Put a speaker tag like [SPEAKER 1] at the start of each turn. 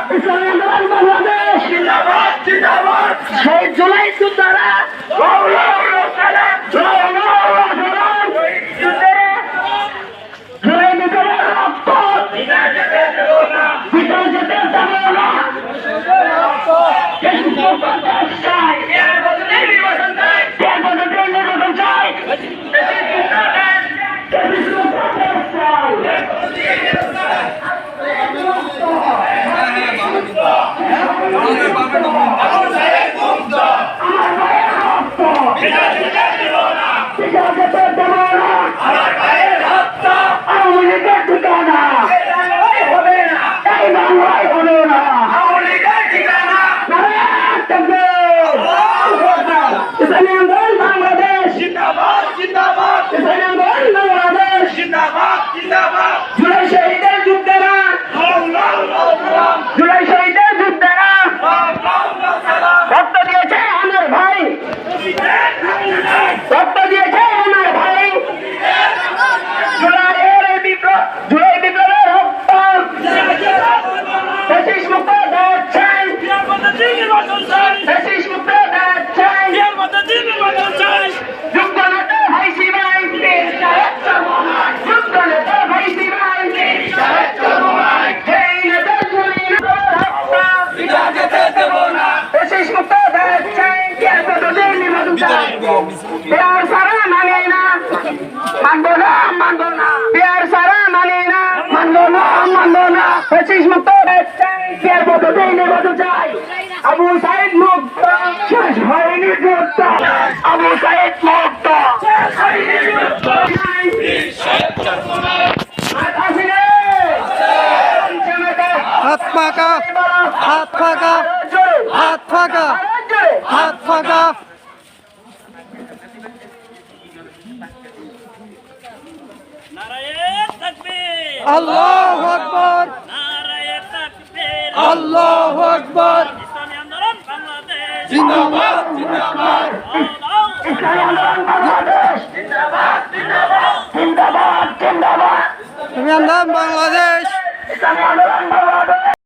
[SPEAKER 1] ইসলামী আন্দোলন বাংলাদেশ জিন্দাবাদ জিন্দাবাদ। সেই জুলাই যোদ্ধারা জুলাই বিপ্লবের রক্ত বিনা যেতে দেব না। চাই এর বদলে নির্বাচন চাই, এর বদলে নির্বাচন চাই। ইসলামী আন্দোলন বাংলাদেশ জিন্দাবাদ জিন্দাবাদ। ইসলামী আন্দোলন বাংলাদেশ জিন্দাবাদ জিন্দাবাদ। জুলাই শহীদের যোদ্ধারা, জুলাই শহীদের যোদ্ধারা রক্ত দিয়েছে আমার ভাই, রক্ত দিয়েছে আমার ভাই। জুলাইয়ের বিপ্লব, জুলাই বিপ্লবের রক্ত ফ্যাসিস্ট মুক্ত দেশ চাই, ফ্যাসিস্ট মুক্ত দেশ চাই। যোগ্য নেতা ভাই শিবাই, যোগ্য নেতা ভাই শিবাই, সেই নেতা জুলাই রক্ত ফ্যাসিস্ট মুক্ত দেশ চাই, এর বদলে নির্বাচন চাই। পেয়ার সারা মানে না, মানবো না মানবো না, পেয়ার সারা মানে না, মানবো না মানবো না। ফ্যাসিস্ট মুক্ত দেশ চাই, এর বদলে নির্বাচন চাই। আবু সাইদ মুক্ত, শেষ হয়নি যুদ্ধ। আবু সাইদ মুক্ত, শেষ হয়নি যুদ্ধ।
[SPEAKER 2] হাত ফাঁকা, হাত ফাঁকা, হাত ফাঁকা, হাত ফাঁকা। আল্লাহু আকবার, আল্লাহু আকবার। জিন্দাবাদ জিন্দাবাদ,
[SPEAKER 1] ইসলামী আন্দোলন বাংলাদেশ জিন্দাবাদ জিন্দাবাদ, জিন্দাবাদ জিন্দাবাদ।
[SPEAKER 2] ইসলামী আন্দোলন বাংলাদেশ।
[SPEAKER 1] ইসলামী আন্দোলন বাংলাদেশ।